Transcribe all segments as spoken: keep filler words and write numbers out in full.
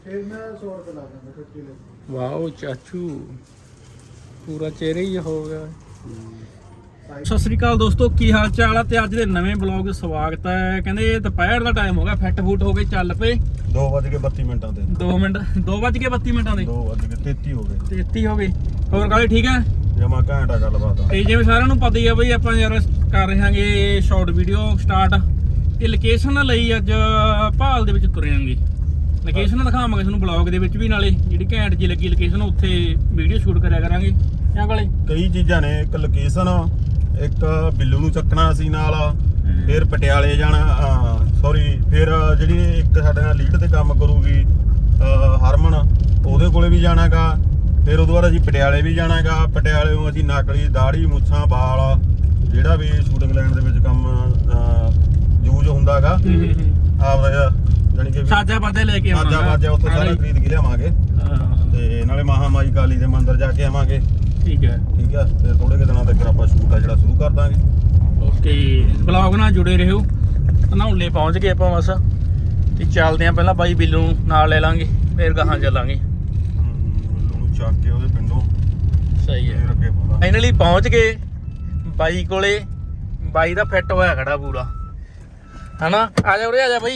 ਫਿਰ ਮੈਂ ਸੌ ਰੁਪਏ ਲਾ ਦਾਂਗਾ ਫਿਫਟੀ ਲੈ। ਵਾਓ ਚਾਚੂ ਪੂਰਾ ਚਿਹਰਾ ਹੀ ਹੋ ਗਿਆ। ਸਤਿ ਸ੍ਰੀ ਅਕਾਲ ਦੋਸਤੋ, ਕੀ ਹਾਲ ਚਾਲ ਆ? ਤੇ ਅੱਜ ਦੇ ਨਵੇਂ ਬਲੌਗ ਸਵਾਗਤ ਹੈ। ਕਹਿੰਦੇ ਦੁਪਹਿਰ ਦਾ ਟਾਈਮ ਹੋ ਗਿਆ, ਫਿੱਟ ਫੂਟ ਹੋ ਗਏ, ਚੱਲ ਪਏ। ਦੋ ਵੱਜ ਕੇ ਬੱਤੀ ਮਿੰਟਾਂ ਤੇ ਦੋ ਮਿੰਟ ਦੋ ਵੱਜ ਕੇ ਬੱਤੀ ਮਿੰਟਾਂ ਦੇ ਦੋ ਵੱਜ ਕੇ ਤੇਤੀ ਹੋ ਗਏ ਤੇਤੀ ਹੋ ਗਏ। ਹੋਰ ਕਾਲੇ ਠੀਕ ਹੈ? ਜਮਾ ਘੰਟਾ ਗੱਲਬਾਤ ਆ। ਤੇ ਜਿਵੇਂ ਸਾਰਿਆਂ ਨੂੰ ਪਤਾ ਹੀ ਆ ਬਈ, ਆਪਾਂ ਯਾਰ ਕਰ ਰਹੇ ਹਾਂਗੇ ਸ਼ਾਰਟ ਵੀਡੀਓ ਸਟਾਰਟ। ਤੇ ਲੋਕੇਸ਼ਨ ਲਈ ਅੱਜ ਭਾਲ ਦੇ ਵਿੱਚ ਤੁਰਿਆਂਗੇ। ਲੋਕੇਸ਼ਨ ਦਿਖਾਵਾਂਗੇ ਤੁਹਾਨੂੰ ਬਲੌਗ ਦੇ ਵਿੱਚ ਵੀ, ਨਾਲੇ ਜਿਹੜੀ ਘੈਂਟ ਜੀ ਲੱਗੀ ਲੋਕੇਸ਼ਨ ਉੱਥੇ ਵੀਡੀਓ ਸ਼ੂਟ ਕਰਿਆ ਕਰਾਂਗੇ। ਕਿਆ ਕਾਲੇ? ਕਈ ਚੀਜ਼ਾਂ ਨੇ, ਇੱਕ ਲੋਕੇਸ਼ਨ, ਇੱਕ ਬਿੱਲੂ ਨੂੰ ਚੱਕਣਾ ਸੀ ਨਾਲ, ਫਿਰ ਪਟਿਆਲੇ ਜਾਣਾ, ਸੌਰੀ ਫਿਰ ਜਿਹੜੀ ਇੱਕ ਸਾਡੇ ਨਾਲ ਲੀਡ ਤੇ ਕੰਮ ਕਰੂਗੀ ਹਰਮਨ, ਉਹਦੇ ਕੋਲੇ ਵੀ ਜਾਣਾਗਾ। ਫਿਰ ਉਦੋਂ ਬਾਅਦ ਅਸੀਂ ਪਟਿਆਲੇ ਵੀ ਜਾਣਾਗਾ। ਪਟਿਆਲੇੋਂ ਅਸੀਂ ਨਕਲੀ ਦਾੜੀ ਮੁੱਛਾਂ ਵਾਲ ਜਿਹੜਾ ਵੀ ਸ਼ੂਟਿੰਗ ਲਾਈਨ ਦੇ ਵਿੱਚ ਕੰਮ ਯੂਜ਼ ਹੁੰਦਾਗਾ ਆਪਦਾ, ਜਾਨੀ ਕਿ ਸਾਜਾ ਬਾਜਾ ਲੈ ਕੇ ਆਵਾਂਗੇ। ਸਾਜਾ ਬਾਜਾ ਉੱਥੋਂ ਸਾਰਾ ਖਰੀਦ ਕੇ ਲਿਆਵਾਂਗੇ ਤੇ ਨਾਲੇ ਮਹਾਮਾਈ ਕਾਲੀ ਦੇ ਮੰਦਿਰ ਜਾ ਕੇ ਆਵਾਂਗੇ। ਠੀਕ ਹੈ ਠੀਕ ਹੈ। ਤੇ ਥੋੜੇ ਕਿ ਦਿਨਾਂ ਤੱਕ ਆਪਾਂ ਸ਼ੂਟ ਆ ਜਿਹੜਾ ਸ਼ੁਰੂ ਕਰ ਦਾਂਗੇ। ਓਕੇ, ਬਲੌਗ ਨਾਲ ਜੁੜੇ ਰਹੋ। ਧਨੌਲੇ ਪਹੁੰਚ ਗਏ ਆਪਾਂ ਬਸ, ਤੇ ਚੱਲਦੇ ਆਂ। ਪਹਿਲਾਂ ਬਾਈ ਬਿੱਲੂ ਨੂੰ ਨਾਲ ਲੈ ਲਾਂਗੇ, ਫਿਰ ਗਾਹਾਂ ਚੱਲਾਂਗੇ। ਬਿੱਲੂ ਨੂੰ ਚੱਕ ਕੇ ਉਹਦੇ ਪਿੰਡੋਂ ਸਹੀ ਹੈ। ਫਿਰ ਅੱਗੇ ਪਤਾ ਫਾਈਨਲੀ ਪਹੁੰਚ ਗਏ ਬਾਈ ਕੋਲੇ। ਬਾਈ ਦਾ ਫਿੱਟ ਹੋਇਆ ਖੜਾ ਪੂਰਾ, ਹਨਾ? ਆ ਜਾ ਉਰੇ, ਆ ਜਾ ਬਾਈ।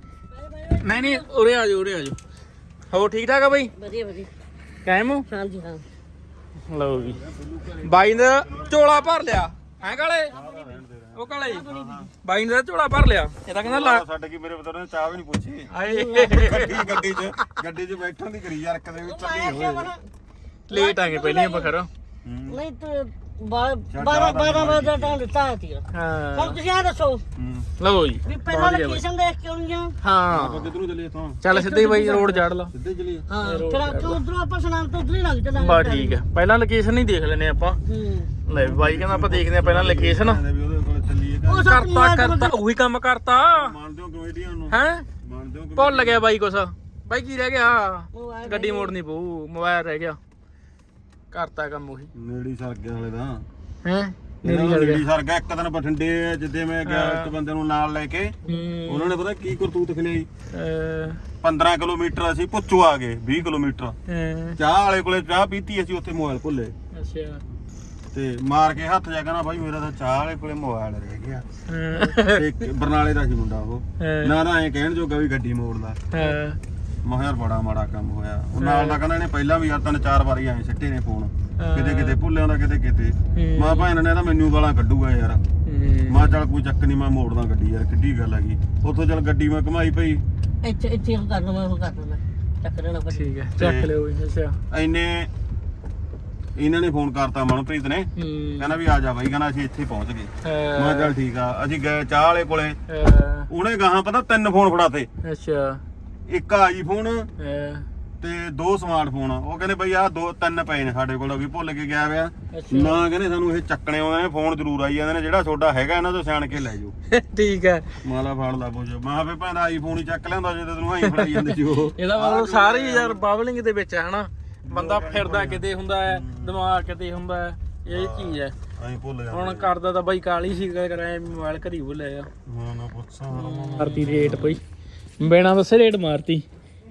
ਨਹੀਂ ਨਹੀਂ ਉਰੇ ਆ ਜਾ, ਉਰੇ ਆ ਜਾ। ਹੋਰ ਠੀਕ ਠਾਕ ਆ ਬਾਈ? ਵਧੀਆ ਵਧੀਆ। ਕਾਇਮ ਹੋ? ਹਾਂਜੀ ਹਾਂ। ਲਓ ਜੀ, ਬਾਈ ਨੇ ਝੋਲਾ ਭਰ ਲਿਆ ਹੈ ਕਾਲੇ। ਉਹ ਕਾਲੇ ਬਾਈ ਨੇ ਝੋਲਾ ਭਰ ਲਿਆ। ਇਹ ਤਾਂ ਕਹਿੰਦਾ ਲਾ ਸਾਡੇ ਕੀ ਮੇਰੇ ਪੁੱਤਰ ਨੇ ਚਾਹ ਵੀ ਨਹੀਂ ਪੁੱਛੀ। ਆਏ ਗੱਡੀ ਗੱਡੀ 'ਚ ਗੱਡੀ 'ਚ ਬੈਠਣ ਦੀ ਕਰੀ ਯਾਰ, ਕਦੇ ਵੀ ਚੱਲੀ ਹੋਏ। ਲੇਟ ਆ ਗਏ ਪਹਿਲਾਂ ਆਪਾਂ ਖਰੋ। ਨਹੀਂ ਤੇ ਬਾਰਾਂ ਬਾਰਾਂ ਵਜੇ ਦਾ ਟਾਈਮ ਦਿੱਤਾ ਹੈ ਤੀਰ। ਹਾਂ ਹੁਣ ਤੁਸੀਂ ਆ ਦੱਸੋ ਲਓ ਜੀ, ਵੀ ਪਹਿਲਾਂ ਲੋਕੇਸ਼ਨ ਦੇਖ ਕੇ ਆਉਣੀ ਆ। ਹਾਂ ਕਿੱਧਰੋਂ ਚੱਲੇ ਇੱਥੋਂ? ਚੱਲ ਸਿੱਧੇ ਹੀ ਬਾਈ ਰੋਡ ਜੜ ਲਾ। ਸਿੱਧੇ ਚੱਲੀਏ। ਹਾਂ ਫਿਰ ਆਪਾਂ ਉਧਰੋਂ ਆਪਾਂ ਸੁਨਾਮ ਤੋਂ ਉਧਰ ਹੀ ਲੱਗ ਚੱਲਾਂਗੇ। ਬਾ ਠੀਕ ਹੈ, ਪਹਿਲਾਂ ਲੋਕੇਸ਼ਨ ਹੀ ਦੇਖ ਲੈਨੇ ਆਪਾਂ। ਹੂੰ ਲੈ ਬਾਈ ਕਹਿੰਦਾ ਆਪਾਂ ਦੇਖਦੇ ਆ ਪਹਿਲਾਂ ਲੋਕੇਸ਼ਨ। ਵੀ ਉਹਦੇ ਕੋਲ ਚੱਲੀਏ। ਉਹ ਸਭ ਕਰਤਾ ਕਰਤਾ ਉਹੀ ਕੰਮ ਕਰਤਾ ਮੰਨਦੇ ਹੋ ਕਮੇਡੀਆਂ ਨੂੰ? ਹੈ ਮੰਨਦੇ ਹੋ? ਭੁੱਲ ਗਿਆ ਬਾਈ ਕੁਛ। ਬਾਈ ਕੀ ਰਹਿ ਗਿਆ? ਗੱਡੀ ਮੋੜਨੀ ਪਊ, ਮੋਬਾਈਲ ਰਹਿ ਗਿਆ। ਕਰਤਾ ਕੰਮ ਉਹੀ। ਨੇੜੀ ਸਰ ਗਿਆ ਹਲੇ ਤਾਂ। ਹੈ ਨੇੜੀ ਸਰ ਗਿਆ। ਇੱਕ ਦਿਨ ਬਠਿੰਡੇ ਜਿੱਦੇ ਮੈਂ ਗਿਆ ਇੱਕ ਬੰਦੇ ਨੂੰ ਨਾਲ ਲੈ ਕੇ, ਉਹਨਾਂ ਨੇ ਪਤਾ ਕੀ ਕਰਤੂਤ ਖਿਲਾਈ। ਪੰਦਰਾਂ ਕਿਲੋਮੀਟਰ ਅਸੀਂ ਪੁੱਛੋ ਆ ਗਏ, ਵੀਹ ਕਿਲੋਮੀਟਰ ਚਾਹ ਵਾਲੇ ਕੋਲੇ ਚਾਹ ਪੀਤੀ, ਅਸੀਂ ਉੱਥੇ ਮੋਬਾਈਲ ਭੁੱਲੇ। ਅੱਛਾ, ਤੇ ਮਾਰ ਕੇ ਹੱਥ ਜਾ ਕਹਿੰਦਾ ਬਾਈ ਮੇਰਾ ਤਾਂ ਚਾਹ ਵਾਲੇ ਕੋਲੇ ਮੋਬਾਈਲ ਰਹਿ ਗਿਆ। ਤੇ ਬਰਨਾਲੇ ਦਾ ਸੀ ਮੁੰਡਾ ਉਹ, ਨਾ ਨਾ ਐਂ ਕਹਿਣ ਜੋਗਾ ਵੀ ਗੱਡੀ ਮੋੜਦਾ। ਮੈਂ ਯਾਰ ਬੜਾ ਮਾੜਾ ਕੰਮ ਹੋਇਆ। ਉਹ ਨਾਲ ਦਾ ਕਹਿੰਦਾ ਇਹਨੇ ਪਹਿਲਾਂ ਵੀ ਆ ਤਿੰਨ ਚਾਰ ਵਾਰੀ ਐਂ ਸਿੱਟੇ ਨੇ ਫੋਨ, ਕਿਤੇ ਕਿਤੇ ਭੁੱਲਿਆਂ ਦਾ, ਕਿਤੇ ਕਿਤੇ। ਮੈਂ ਭੈਣ ਨੇ ਤਾਂ ਮੈਨੂੰ ਗਾਲਾਂ ਕੱਢੂਗਾ ਯਾਰ। ਮੈਂ ਚੱਲ ਕੋਈ ਚੱਕ ਨਹੀਂ, ਮੈਂ ਮੋੜਦਾ ਗੱਡੀ ਯਾਰ, ਕਿੱਡੀ ਗੱਲ ਹੈਗੀ। ਉੱਥੋਂ ਚੱਲ ਗੱਡੀ ਮੈਂ ਘਮਾਈ ਪਈ। ਇੱਥੇ ਇੱਥੇ ਉਹ ਕਰ ਲਵਾਂ, ਉਹ ਕਰ ਲਵਾਂ, ਚੱਕ ਲੈਣਾ। ਠੀਕ ਹੈ, ਚੱਕ ਲਿਓ। ਅੱਛਾ, ਐਨੇ ਇਹਨਾਂ ਨੇ ਫੋਨ ਕਰਤਾ ਮਨਪ੍ਰੀਤ ਨੇ, ਕਹਿੰਦਾ ਵੀ ਆ ਜਾ ਬਾਈ, ਕਹਿੰਦਾ ਅਸੀਂ ਇੱਥੇ ਪਹੁੰਚ ਗਏ। ਮੈਂ ਚੱਲ ਠੀਕ ਆ। ਅਸੀਂ ਗਏ ਚਾਹ ਵਾਲੇ ਕੋਲੇ, ਉਹਨੇ ਗਾਹਾਂ ਪਤਾ ਤਿੰਨ ਫੋਨ ਫੜਾਤੇ। ਅੱਛਾ, ਇੱਕ ਆਈਫੋਨ ਤੇ ਦੋ ਸਮਾਰਟਫੋਨ। ਉਹ ਕਹਿੰਦੇ ਬਈ ਆਹ ਦੋ ਤਿੰਨ ਪਏ ਨੇ ਸਾਡੇ ਕੋਲ, ਵੀ ਭੁੱਲ ਕੇ ਗਿਆ ਵਿਆ ਨਾ। ਕਹਿੰਦੇ ਸਾਨੂੰ ਇਹ ਚੱਕਣੇ ਆਉਂਦੇ ਨੇ, ਫੋਨ ਜ਼ਰੂਰ ਆਈ ਜਾਂਦੇ ਨੇ, ਜਿਹੜਾ ਤੁਹਾਡਾ ਹੈਗਾ ਇਹਨਾਂ ਤੋਂ ਸਿਆਣ ਕੇ ਲੈ ਜਾਓ। ਠੀਕ ਹੈ। ਮਾਲਾ ਫੜ ਲਾ ਪੁੱਛ। ਮੈਂ ਫੇ ਭੈਣ ਆਈਫੋਨ ਹੀ ਚੱਕ ਲਿਆਂਦਾ ਜੇ ਤੈਨੂੰ ਆਈ ਫੜਾਈ ਜਾਂਦੇ ਸੀ ਉਹ। ਇਹਦਾ ਮਤਲਬ ਸਾਰੇ ਯਾਰ ਬਾਬਲਿੰਗ ਦੇ ਵਿੱਚ ਹੈ ਹਨਾ। ਬੰਦਾ ਫਿਰਦਾ ਕਿਤੇ ਹੁੰਦਾ ਹੈ, ਦਿਮਾਗ ਕਿਤੇ ਹੁੰਦਾ ਹੈ, ਇਹ ਚੀਜ਼ ਹੈ। ਅਸੀਂ ਭੁੱਲ ਜਾਂਦੇ। ਹੁਣ ਕਰਦਾ ਤਾਂ ਬਾਈ ਕਾਲੀ ਸੀ, ਕਰਾਇਆ ਮੋਬਾਈਲ ਘਰੀ ਭੁੱਲਿਆ। ਹਾਂ ਨਾ ਪੁੱਛਾਂ ਮਾਰਤੀ ਰੇਟ ਪਈ, ਬਿਨਾਂ ਦੱਸੇ ਰੇਟ ਮਾਰਤੀ।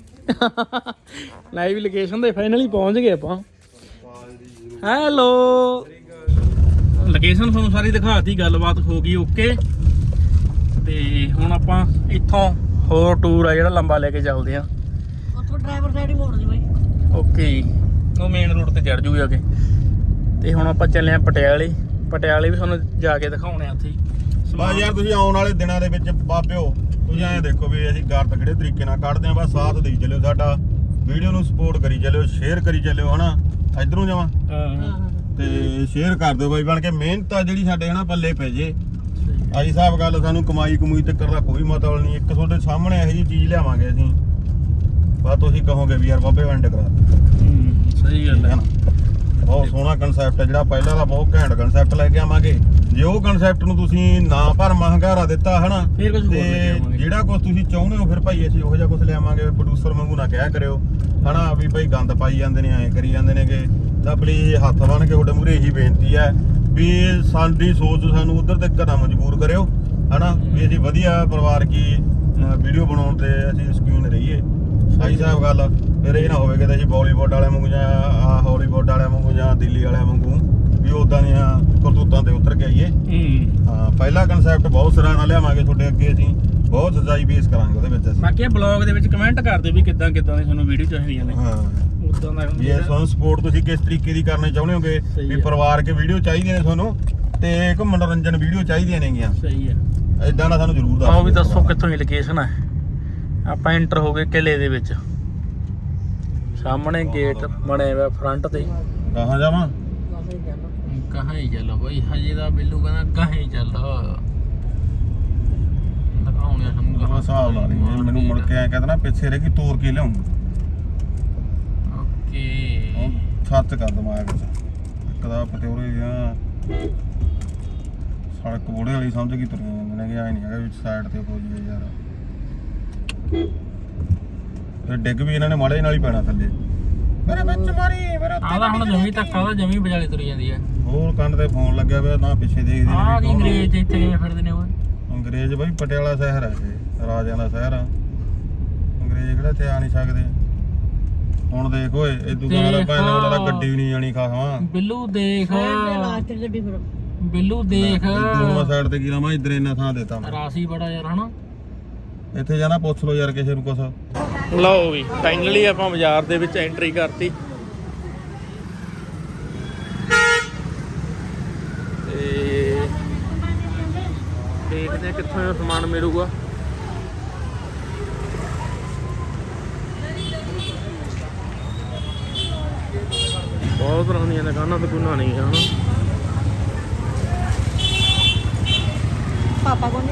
ਲਾਈਵ ਲੋਕੇਸ਼ਨ ਤੇ ਫਾਈਨਲੀ ਪਹੁੰਚ ਗਏ ਆਪਾਂ। ਹੈਲੋ, ਲੋਕੇਸ਼ਨ ਤੁਹਾਨੂੰ ਸਾਰੀ ਦਿਖਾਤੀ, ਗੱਲਬਾਤ ਹੋ ਗਈ ਓਕੇ। ਤੇ ਹੁਣ ਆਪਾਂ ਇੱਥੋਂ ਹੋਰ ਟੂਰ ਆ ਜਿਹੜਾ ਲੰਬਾ ਲੈ ਕੇ ਚੱਲਦੇ ਆ। ਉੱਥੋਂ ਡਰਾਈਵਰ ਸਾਈਡ ਹੀ ਮੋੜ ਦੇ ਬਾਈ। ਓਕੇ, ਉਹ ਮੇਨ ਰੋਡ ਤੇ ਚੜ ਜੂਗੇ ਅੱਗੇ। ਤੇ ਹੁਣ ਆਪਾਂ ਚੱਲੇ ਆ ਪਟਿਆਲੇ। ਪਟਿਆਲੇ ਵੀ ਤੁਹਾਨੂੰ ਜਾ ਕੇ ਦਿਖਾਉਣੇ ਆ ਉੱਥੇ। ਬਸ ਯਾਰ ਤੁਸੀਂ ਆਉਣ ਵਾਲੇ ਦਿਨਾਂ ਦੇ ਵਿੱਚ ਬਾਬਿਓ ਤੁਸੀਂ ਐਂ ਦੇਖੋ ਵੀ ਅਸੀਂ ਗਾਰਤ ਕਿਹੜੇ ਤਰੀਕੇ ਨਾਲ ਕੱਢਦੇ ਆ। ਬਸ ਸਾਥ ਦੇਈ ਚੱਲਿਓ ਸਾਡਾ, ਵੀਡੀਓ ਨੂੰ ਸਪੋਰਟ ਕਰੀ ਚੱਲਿਓ, ਸ਼ੇਅਰ ਕਰੀ ਚੱਲਿਓ ਹਨਾ। ਇਧਰੋਂ ਜਾਵਾਂ ਤੇ ਸ਼ੇਅਰ ਕਰ ਦਿਓ ਬਾਈ ਬਣ ਕੇ। ਮਿਹਨਤ ਆ ਜਿਹੜੀ ਸਾਡੇ ਹਨਾ ਪੱਲੇ ਪੈ ਜੇ। ਆਈ ਸਾਹਿਬ ਗੱਲ, ਸਾਨੂੰ ਕਮਾਈ ਕਮੂਈ ਤੱਕ ਦਾ ਕੋਈ ਮਤਲਬ ਨਹੀਂ। ਇੱਕ ਤੁਹਾਡੇ ਸਾਹਮਣੇ ਇਹੋ ਜਿਹੀ ਚੀਜ਼ ਲਿਆਵਾਂਗੇ ਅਸੀਂ, ਬਸ ਤੁਸੀਂ ਕਹੋਗੇ ਵੀ ਯਾਰ ਬਾਬੇ ਵੰਡ ਕਰਾ ਦੇ। ਸਹੀ ਗੱਲ ਹੈ। ਬਹੁਤ ਸੋਹਣਾ ਕਨਸੈਪਟ ਹੈ ਜਿਹੜਾ ਪਹਿਲਾਂ ਦਾ, ਬਹੁਤ ਘੈਂਟ ਕਨਸੈਪਟ ਲੈ ਕੇ ਆਵਾਂਗੇ। ਜੇ ਉਹ ਕਨਸੈਪਟ ਨੂੰ ਤੁਸੀਂ ਨਾ ਭਰ ਮਹੰਗਾਰਾ ਦਿੱਤਾ ਹਨਾ, ਤੇ ਜਿਹੜਾ ਕੁਝ ਤੁਸੀਂ ਚਾਹੁੰਦੇ ਹੋ ਫਿਰ ਭਾਈ ਅਸੀਂ ਉਹੋ ਜਿਹਾ ਕੁਝ ਲਿਆਵਾਂਗੇ। ਪ੍ਰੋਡਿਊਸਰ ਵਾਂਗੂ ਨਾ ਕਹਿਆ ਕਰਿਓ ਹਨਾ ਵੀ ਭਾਈ ਗੰਦ ਪਾਈ ਜਾਂਦੇ ਨੇ, ਐਂ ਕਰੀ ਜਾਂਦੇ ਨੇਗੇ। ਤਾਂ ਪਲੀਜ਼ ਹੱਥ ਬੰਨ ਕੇ ਤੁਹਾਡੇ ਮੂਹਰੇ ਇਹੀ ਬੇਨਤੀ ਹੈ ਵੀ ਸਾਡੀ ਸੋਚ ਸਾਨੂੰ ਉਧਰ ਤੱਕ ਨਾ ਮਜਬੂਰ ਕਰਿਓ ਹਨਾ, ਵੀ ਅਸੀਂ ਵਧੀਆ ਪਰਿਵਾਰ ਕੀ ਵੀਡੀਓ ਬਣਾਉਣ ਤੇ ਅਸੀਂ ਸ਼ੌਕੀਨ ਰਹੀਏ। ਆਈ ਸਾਹਿਬ ਗੱਲ ਫਿਰ ਇਹ ਨਾ ਹੋਵੇ ਕਿ ਅਸੀਂ ਬਾਲੀਵੁੱਡ ਵਾਲਿਆਂ ਵਾਂਗੂ ਜਾਂ ਆਹ ਹਾਲੀਵੁੱਡ ਵਾਲਿਆਂ ਵਾਂਗੂ ਜਾਂ ਦਿੱਲੀ ਵਾਲਿਆਂ ਵਾਂਗੂ ਵੀ ਉਦਾਂ ਦੀਆਂ ਕਰਤੂਤਾਂ ਤੇ ਉਤਰ ਕੇ ਆਈਏ। ਹੂੰ ਹਾਂ ਪਹਿਲਾ ਕਨਸੈਪਟ ਬਹੁਤ ਸਰਾਹਨਾ ਲਿਆਵਾਂਗੇ ਤੁਹਾਡੇ ਅੱਗੇ, ਅਸੀਂ ਬਹੁਤ ਸਜਾਈ ਬੇਸ ਕਰਾਂਗੇ ਉਹਦੇ ਵਿੱਚ ਅਸੀਂ। ਬਾਕੀ ਇਹ ਬਲੌਗ ਦੇ ਵਿੱਚ ਕਮੈਂਟ ਕਰ ਦਿਓ ਵੀ ਕਿੱਦਾਂ ਕਿੱਦਾਂ ਦੀ ਤੁਹਾਨੂੰ ਵੀਡੀਓ ਚਾਹੀਦੀਆਂ ਨੇ। ਹਾਂ ਉਦਾਂ ਦਾ ਵੀ ਇਹ ਤੁਹਾਨੂੰ ਸਪੋਰਟ ਤੁਸੀਂ ਕਿਸ ਤਰੀਕੇ ਦੀ ਕਰਨੀ ਚਾਹੁੰਦੇ ਹੋਗੇ, ਸਹੀ ਵੀ ਹੈ। ਪਰਿਵਾਰ ਕੇ ਵੀਡੀਓ ਚਾਹੀਦੀਆਂ ਨੇ ਤੁਹਾਨੂੰ ਤੇ ਇੱਕ ਮਨੋਰੰਜਨ ਵੀਡੀਓ ਚਾਹੀਦੀਆਂ ਨੇਗੀਆਂ, ਸਹੀ ਹੈ। ਇਦਾਂ ਦਾ ਸਾਨੂੰ ਜ਼ਰੂਰ ਦੱਸੋ। ਆਓ ਵੀ ਦੱਸੋ ਕਿੱਥੋਂ ਦੀ ਲੋਕੇਸ਼ਨ ਹੈ। ਆਪਾਂ ਐਂਟਰ ਹੋ ਗਏ ਕਿਲੇ ਦੇ ਵਿੱਚ, ਸਾਹਮਣੇ ਗੇਟ ਬਣਿਆ ਹੋਇਆ ਫਰੰਟ ਤੇ। ਕਹਾਂ ਜਾਵਾਂ ਕਹਾਂ ਹੀ ਚੱਲੋ ਬਈ, ਹਜੇ ਦਾ ਬਿੱਲੂ ਕਹਿੰਦਾ ਕਹਾਂ ਹੀ ਚੱਲ ਦਿਖਾਉਣੇ ਸਾਨੂੰ ਕਹਾਂ ਹਿਸਾਬ ਲਾ ਲਈ ਮੈਨੂੰ ਮੁੜ ਕੇ ਐ ਕਹਿੰਦਾ ਨਾ ਪਿੱਛੇ ਰਹਿ ਗਈ ਤੋੜ ਕੇ ਲਿਆਉਂ। ਓਕੇ ਸੱਚ ਕਰ ਦਿਮਾਗ ਵਿੱਚ ਇੱਕ ਦਾ ਪਤਿਓਰੇ ਦੀਆਂ ਸੜਕ ਬੋੜੇ ਵਾਲੀ ਸਮਝ ਗਈ ਤੁਰੀਆਂ ਜਾਂਦੇ ਨੇ ਕਿ ਐ ਨਹੀਂ ਹੈਗਾ ਵਿੱਚ ਸਾਈਡ ਤੇ ਹੋ ਜੀਏ ਯਾਰ। ਤੇ ਡਿੱਗ ਵੀ ਇਹਨਾਂ ਨੇ ਮਾੜੇ ਨਾਲ ਹੀ ਪੈਣਾ ਥੱਲੇ, ਮੇਰੇ ਵਿੱਚ ਮਾਰੀ ਮੇਰੇ ਉੱਤੇ। ਆਹ ਹੁਣ ਜਮੀ ਧੱਕਾ ਦਾ ਜਮੀ ਵਿਚਾਲੇ ਤੁਰੀ ਜਾਂਦੀ ਹੈ। ਹੋਰ ਕੰਨ ਤੇ ਫੋਨ ਲੱਗਿਆ ਪਿਆ ਨਾ ਪਿੱਛੇ ਦੇਖਦੇ ਆਹ ਕੀ ਨੇ ਵੀ ਅੰਗਰੇਜ਼ ਇੱਥੇ ਕਿਵੇਂ ਫਿਰਦੇ ਨੇ ਉਹ। ਅੰਗਰੇਜ਼ ਬਈ ਪਟਿਆਲਾ ਸ਼ਹਿਰ ਹੈ ਇਹ, ਰਾਜਿਆਂ ਦਾ ਸ਼ਹਿਰ ਆ। ਅੰਗਰੇਜ਼ ਕਿਹੜਾ ਇੱਥੇ ਆ ਨਹੀਂ ਸਕਦੇ। ਹੁਣ ਦੇਖ ਓਏ ਇਦੂ ਗਾਣਾ ਭੈਣ ਵਾਲਾ ਤਾਂ ਗੱਡੀ ਵੀ ਨਹੀਂ ਜਾਣੀ ਖਾਵਾਂ। ਬਿੱਲੂ ਦੇਖ ਲਾਸਟ ਗੱਡੀ ਫਿਰ ਬਿੱਲੂ ਦੇਖ ਦੂਆ ਸਾਈਡ ਤੇ ਕੀ ਲਾਵਾਂ, ਇਧਰ ਇੰਨਾ ਥਾਂ ਦੇਤਾ ਮੈਂ। ਰਾਸੀ ਬੜਾ ਯਾਰ ਹਨਾ। ਇੱਥੇ ਜਾਣਾ ਪੁੱਛ ਲਓ ਯਾਰ ਕਿਸੇ ਨੂੰ ਕੁਛ। ਲਓ ਵੀ ਫਾਈਨਲੀ ਆਪਾਂ ਬਾਜ਼ਾਰ ਦੇ ਵਿੱਚ ਐਂਟਰੀ ਕਰਤੀ ਤੇ ਦੇਖਦੇ ਆ ਕਿੱਥੋਂ ਸਮਾਨ ਮਿਲੂਗਾ। ਬਹੁਤ ਤਰ੍ਹਾਂ ਦੀਆਂ ਦੁਕਾਨਾਂ ਦੁਕਾਨਾਂ ਨਹੀਂ ਹਨ। ਪਾਪਾ ਕੋਲ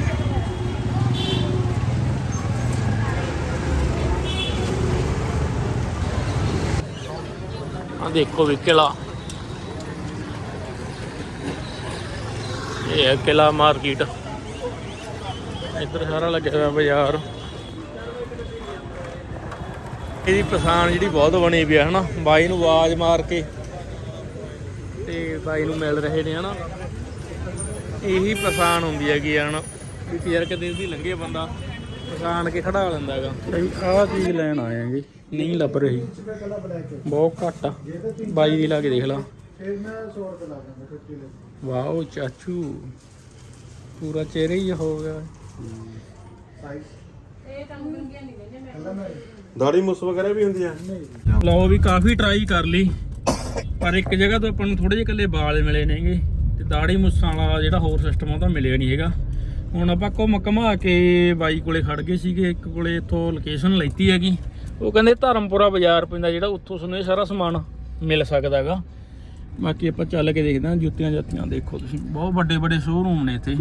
ਆ ਦੇਖੋ ਵੀ ਕਿਲਾ, ਇਹ ਹੈ ਕਿਲਾ ਮਾਰਕੀਟ। ਇੱਧਰ ਸਾਰਾ ਲੱਗਿਆ ਹੋਇਆ ਬਾਜ਼ਾਰ। ਇਹਦੀ ਪਛਾਣ ਜਿਹੜੀ ਬਹੁਤ ਬਣੀ ਪਈ ਹੈ ਹਨਾ। ਬਾਈ ਨੂੰ ਆਵਾਜ਼ ਮਾਰ ਕੇ ਤੇ ਬਾਈ ਨੂੰ ਮਿਲ ਰਹੇ ਨੇ ਹਨਾ। ਇਹੀ ਪਛਾਣ ਹੁੰਦੀ ਹੈਗੀ ਹਨਾ ਵੀ ਯਾਰ ਕਿਤੇ ਦੀ ਲੰਘੇ ਬੰਦਾ ਪਛਾਣ ਕੇ ਖੜਾ ਲੈਂਦਾ ਹੈਗਾ। ਆਹ ਚੀਜ਼ ਲੈਣ ਆਏ ਆਂਗੇ, ਨਹੀਂ ਲੱਭ ਰਹੀ, ਬਹੁਤ ਘੱਟ ਆ। ਬਾਈ ਦੀ ਲਾ ਕੇ ਦੇਖ ਲਾ। ਵਾਓ ਚਾਚੂ ਪੂਰਾ ਚਿਹਰਾ ਹੀ ਹੋ ਗਿਆ। ਦਾੜੀ ਮੁੱਸ ਵਗੈਰਾ ਵੀ ਹੁੰਦੀ ਆ। ਲਓ ਵੀ ਕਾਫੀ ਟਰਾਈ ਕਰ ਲਈ, ਪਰ ਇੱਕ ਜਗ੍ਹਾ ਤੋਂ ਆਪਾਂ ਨੂੰ ਥੋੜੇ ਜਿਹੇ ਇਕੱਲੇ ਵਾਲ ਮਿਲੇ ਨੇਗੇ ਤੇ ਦਾੜੀ ਮੁੱਸਾਂ ਵਾਲਾ ਜਿਹੜਾ ਹੋਰ ਸਿਸਟਮ ਉਹ ਤਾਂ ਮਿਲਿਆ ਨਹੀਂ ਹੈਗਾ। ਹੁਣ ਆਪਾਂ ਘੁੰਮ ਘੁਮਾ ਕੇ ਬਾਈ ਕੋਲੇ ਖੜ ਗਏ ਸੀਗੇ। ਇੱਕ ਕੋਲੇ ਇੱਥੋਂ ਲੋਕੇਸ਼ਨ ਲੈਤੀ ਹੈਗੀ, ਉਹ ਕਹਿੰਦੇ ਧਰਮਪੁਰਾ ਬਾਜ਼ਾਰ ਪੈਂਦਾ ਜਿਹੜਾ, ਉੱਥੋਂ ਸਾਨੂੰ ਇਹ ਸਾਰਾ ਸਮਾਨ ਮਿਲ ਸਕਦਾ ਹੈਗਾ। ਬਾਕੀ ਆਪਾਂ ਚੱਲ ਕੇ ਦੇਖਦੇ ਹਾਂ। ਜੁੱਤੀਆਂ ਜਾਤੀਆਂ ਦੇਖੋ ਤੁਸੀਂ, ਬਹੁਤ ਵੱਡੇ ਵੱਡੇ ਸ਼ੋਰੂਮ ਨੇ ਇੱਥੇ,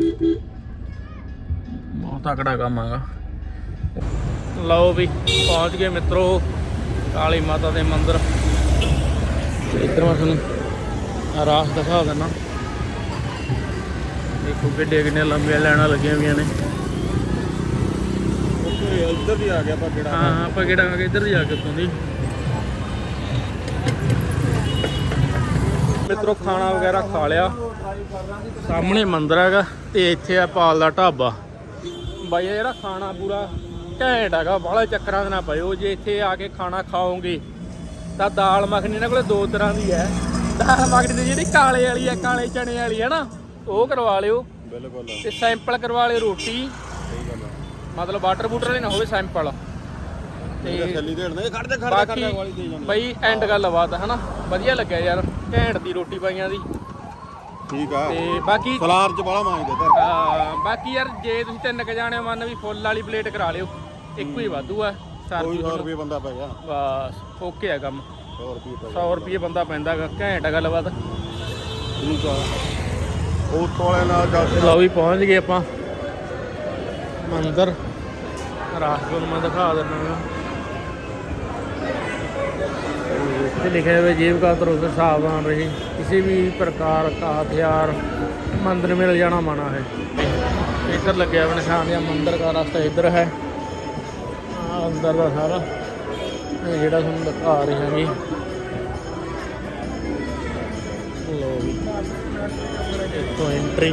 ਬਹੁਤ ਤਕੜਾ ਕੰਮ ਹੈਗਾ। ਲਓ ਵੀ ਪਹੁੰਚ ਗਏ ਮਿੱਤਰੋ ਕਾਲੀ ਮਾਤਾ ਦੇ ਮੰਦਿਰ। ਇੱਧਰ ਮੈਂ ਤੁਹਾਨੂੰ ਰਾਸ ਦਿਖਾ ਦਿੰਦਾ। ਦੇਖੋ ਕਿੱਡੇ ਕਿੰਨੇ ਲੰਬੀਆਂ ਲਾਈਨਾਂ ਲੱਗੀਆਂ ਹੋਈਆਂ ਨੇ। ਇੱਧਰ ਦੀ ਆ ਗਿਆ ਆਪਾਂ ਕਿਹੜਾ। ਹਾਂ ਆਪਾਂ ਕਿਹੜਾ ਆ ਗਏ ਇੱਧਰ ਜਾ ਕੇ ਉੱਤੋਂ ਦੀ। ਮਿੱਤਰੋ ਖਾਣਾ ਵਗੈਰਾ ਖਾ ਲਿਆ, ਸਾਹਮਣੇ ਮੰਦਿਰ ਹੈਗਾ ਤੇ ਇੱਥੇ ਆ ਪਾਲ ਦਾ ਢਾਬਾ। ਬਾਈ ਜਿਹੜਾ ਖਾਣਾ ਪੂਰਾ ਘੈਂਟ ਹੈਗਾ, ਬਾਹਲੇ ਚੱਕਰਾਂ ਦੇ ਨਾ ਪਇਓ। ਜੇ ਇੱਥੇ ਆ ਕੇ ਖਾਣਾ ਖਾਓਗੇ ਤਾਂ ਦਾਲ ਮੱਖਣੀ ਇਹਨਾਂ ਕੋਲੇ ਦੋ ਤਰ੍ਹਾਂ ਦੀ ਹੈ। ਦਾਲ ਮੱਖਣੀ ਦੀ ਜਿਹੜੀ ਕਾਲੇ ਵਾਲੀ ਹੈ, ਕਾਲੇ ਚਣੇ ਵਾਲੀ ਹੈ ਨਾ, ਉਹ ਕਰਵਾ ਲਿਓ। ਬਿਲਕੁਲ ਤੇ ਸੈਂਪਲ ਕਰਵਾ ਲਿਓ ਰੋਟੀ, ਸਹੀ ਗੱਲ ਆ। ਮਤਲਬ ਵਾਟਰ ਬੂਟਰ ਵਾਲੀ ਨਾ ਹੋਵੇ, ਸੈਂਪਲ। ਤੇ ਛੱਲੀ ਢੇੜ ਨੇ ਖੜਦੇ ਖੜਦੇ ਬਾਕੀ ਖੜਦੇ ਵਾਲੀ ਦੇ ਜਾਂਦੇ। ਬਈ ਐਂਡ ਗੱਲਬਾਤ ਹੈ ਨਾ, ਵਧੀਆ ਲੱਗਿਆ ਯਾਰ, ਘੈਂਟ ਦੀ ਰੋਟੀ ਪਾਈਆਂ ਦੀ। ਠੀਕ ਆ। ਤੇ ਬਾਕੀ ਸਲਾਰ ਚ ਬਾਲਾ ਮੰਗਦੇ ਧਰ। ਅਹ ਬਾਕੀ ਯਾਰ ਜੇ ਤੁਸੀਂ ਤਿੰਨ ਕ ਜਾਣੇ ਮੰਨ ਵੀ ਫੁੱਲ ਵਾਲੀ ਪਲੇਟ ਕਰਾ ਲਿਓ, ਇੱਕੋ ਹੀ ਵਾਧੂ ਆ। ਕੋਈ ਸੌ ਰੁਪਏ ਬੰਦਾ ਪੈ ਗਿਆ। ਬਸ ਓਕੇ ਆ ਕੰਮ। ਸੌ ਰੁਪਏ ਪੈ ਸੌ ਰੁਪਏ ਬੰਦਾ ਪੈਂਦਾ ਹੈਗਾ, ਘੈਂਟ ਆ ਗੱਲਬਾਤ। ਠੀਕ ਆ। ਉਹ ਵਾਲੇ ਨਾਲ ਚੱਲ। ਲਓ ਵੀ ਪਹੁੰਚ ਗਏ ਆਪਾਂ ਮੰਦਿਰ। ਰਾਸਤੇ ਨੂੰ ਮੈਂ ਦਿਖਾ ਦਿੰਦਾ। ਇੱਥੇ ਲਿਖਿਆ ਹੋਇਆ ਜੇਬ का तरफ सावधान रहे, किसी भी प्रकार का हथियार मंदिर में ले जाना मना है। इधर लगे हुए निशान या मंदिर का रास्ता इधर है। अंदर का सारा ਜਿਹੜਾ ਤੁਹਾਨੂੰ ਦਿਖਾ ਰਹੇ ਹੈਗੇ। ਲੋ ਵੀ ਇੱਥੋਂ ਐਂਟਰੀ।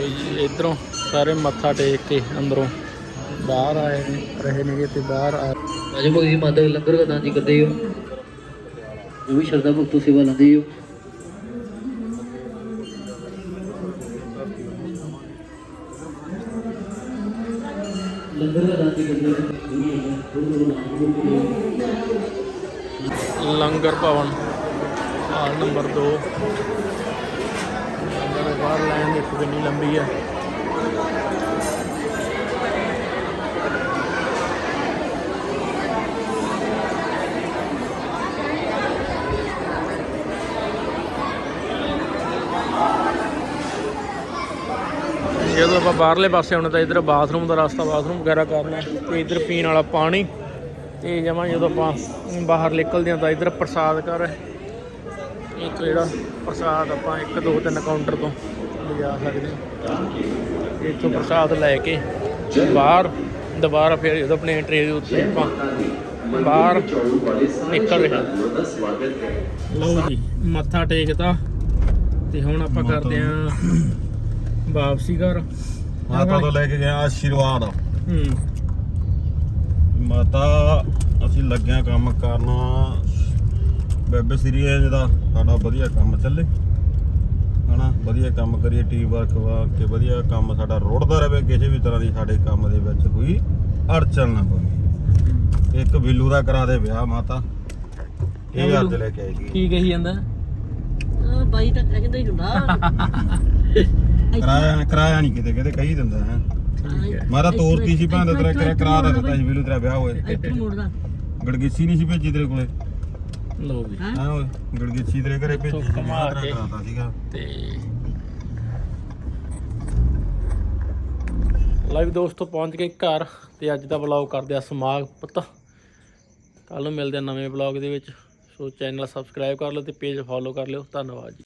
ਜੀ ਇਧਰੋਂ ਸਾਰੇ ਮੱਥਾ ਟੇਕ ਕੇ ਅੰਦਰੋਂ ਬਾਹਰ ਆਏ ਨੇ ਰਹੇ ਨੇਗੇ ਤੇ ਬਾਹਰ ਆ ਰਾਜਾ ਭਗਤ ਜੀ ਮਾਤਾ ਲੰਗਰ ਦਾ ਦਾਨ ਜੀ ਕਰਦੇ ਹੋ ਜੋ ਵੀ ਸ਼ਰਧਾ ਭਗਤੋਂ ਸੇਵਾ ਲੈਂਦੇ ਹੋ। ਲੰਗਰ ਦਾ ਦਾਨ ਜੀ ਕਰਦੇ ਹੋ। ਲੰਗਰ ਭਵਨ ਹਾਲ ਨੰਬਰ ਦੋ ਲੰਗਰ ਦੇ ਬਾਹਰ ਲਾਈਨ ਦੇਖੋ ਕਿੰਨੀ ਲੰਬੀ ਹੈ। ਜਦੋਂ ਆਪਾਂ ਬਾਹਰਲੇ ਪਾਸੇ ਆਉਣਾ ਤਾਂ ਇੱਧਰ ਬਾਥਰੂਮ ਦਾ ਰਸਤਾ ਬਾਥਰੂਮ ਵਗੈਰਾ ਕਰਨਾ ਤੇ ਇੱਧਰ ਪੀਣ ਵਾਲਾ ਪਾਣੀ ਤੇ ਜਮਾਂ ਜਦੋਂ ਆਪਾਂ ਬਾਹਰ ਨਿਕਲਦੇ ਹਾਂ ਤਾਂ ਇੱਧਰ ਪ੍ਰਸਾਦ ਘਰ ਇੱਕ ਜਿਹੜਾ ਪ੍ਰਸਾਦ ਆਪਾਂ ਇੱਕ ਦੋ ਤਿੰਨ ਕਾਊਂਟਰ ਤੋਂ ਲਿਜਾ ਸਕਦੇ ਹਾਂ। ਇੱਥੋਂ ਪ੍ਰਸਾਦ ਲੈ ਕੇ ਬਾਹਰ ਦੁਬਾਰਾ ਫਿਰ ਜਦੋਂ ਆਪਣੇ ਟ੍ਰੇਨ ਦੇ ਉੱਤੇ ਆਪਾਂ ਬਾਹਰ ਨਿਕਲ ਰਹੇ ਹਾਂ। ਲਓ ਜੀ ਮੱਥਾ ਟੇਕਤਾ ਤੇ ਹੁਣ ਆਪਾਂ ਕਰਦੇ ਹਾਂ ਵਾਪਸੀ ਘਰ। ਮਾਤਾ ਤੋਂ ਲੈ ਕੇ ਗਿਆ ਆਸ਼ੀਰਵਾਦ। ਹੂੰ ਮਾਤਾ ਅਸੀਂ ਲੱਗਿਆ ਕੰਮ ਕਰਨਾ ਬੇਬੇ ਸੀਰੀਜ਼ ਦਾ ਸਾਡਾ ਵਧੀਆ ਕੰਮ ਚੱਲੇ ਹਨਾ, ਵਧੀਆ ਕੰਮ ਕਰੀਏ ਟੀਮ ਵਰਕ ਵਾ ਕੇ ਵਧੀਆ ਕੰਮ ਸਾਡਾ ਰੁੜਦਾ ਰਹੇ, ਕਿਸੇ ਵੀ ਤਰ੍ਹਾਂ ਦੀ ਸਾਡੇ ਕੰਮ ਦੇ ਵਿੱਚ ਕੋਈ ਅੜਚਣ ਨਾ ਪਵੇ। ਇੱਕ ਬਿੱਲੂ ਦਾ ਕਰਾ ਦੇ ਵਿਆਹ ਮਾਤਾ, ਇਹ ਅੱਜ ਲੈ ਕੇ ਆਈ ਸੀ। ਕੀ ਕਹੀ ਜਾਂਦਾ ਆ ਬਾਈ ਤਾਂ ਕਹਿੰਦਾ ਹੀ ਹੁੰਦਾ ਕਰਾਇਆ ਕਰਾਇਆ ਨਹੀਂ ਕਿਤੇ ਕਿਤੇ ਕਹੀ ਦਿੰਦਾ ਹੈ। ਠੀਕ ਹੈ ਮਾਰਾ ਤੋਰਤੀ ਸੀ ਭਾਂ ਤੇਰਾ ਕਰਾ ਕਰਾ ਦਾ ਦਿੱਤਾ ਸੀ ਬਿੱਲੂ ਤੇਰਾ ਵਿਆਹ ਹੋਏ। ਇੱਥੇ ਮੁੜਦਾ ਗੜਗੀਸੀ ਨਹੀਂ ਸੀ ਭੇਜੀ ਤੇਰੇ ਕੋਲੇ, ਲਓ ਵੀ ਹਾਂ ਓਏ ਗੜਗੀਸੀ ਤੇਰੇ ਘਰੇ ਭੇਜੀ ਸੀ, ਕਮਾ ਵਿਆਹ ਤੇਰਾ ਕੇ। ਕਰਾਤਾ ਸੀਗਾ। ਤੇ ਲਾਈਵ ਦੋਸਤੋ ਪਹੁੰਚ ਗਏ ਘਰ ਤੇ ਅੱਜ ਦਾ ਵਲੌਗ ਕਰਦੇ ਆ ਸਮਾਪਤ। ਕੱਲ ਨੂੰ ਮਿਲਦੇ ਆ ਨਵੇਂ ਵਲੌਗ ਦੇ ਵਿੱਚ। ਸੋ ਚੈਨਲ ਸਬਸਕ੍ਰਾਈਬ ਕਰ ਲਓ ਤੇ ਪੇਜ ਫੋਲੋ ਕਰ ਲਿਓ। ਧੰਨਵਾਦ ਜੀ।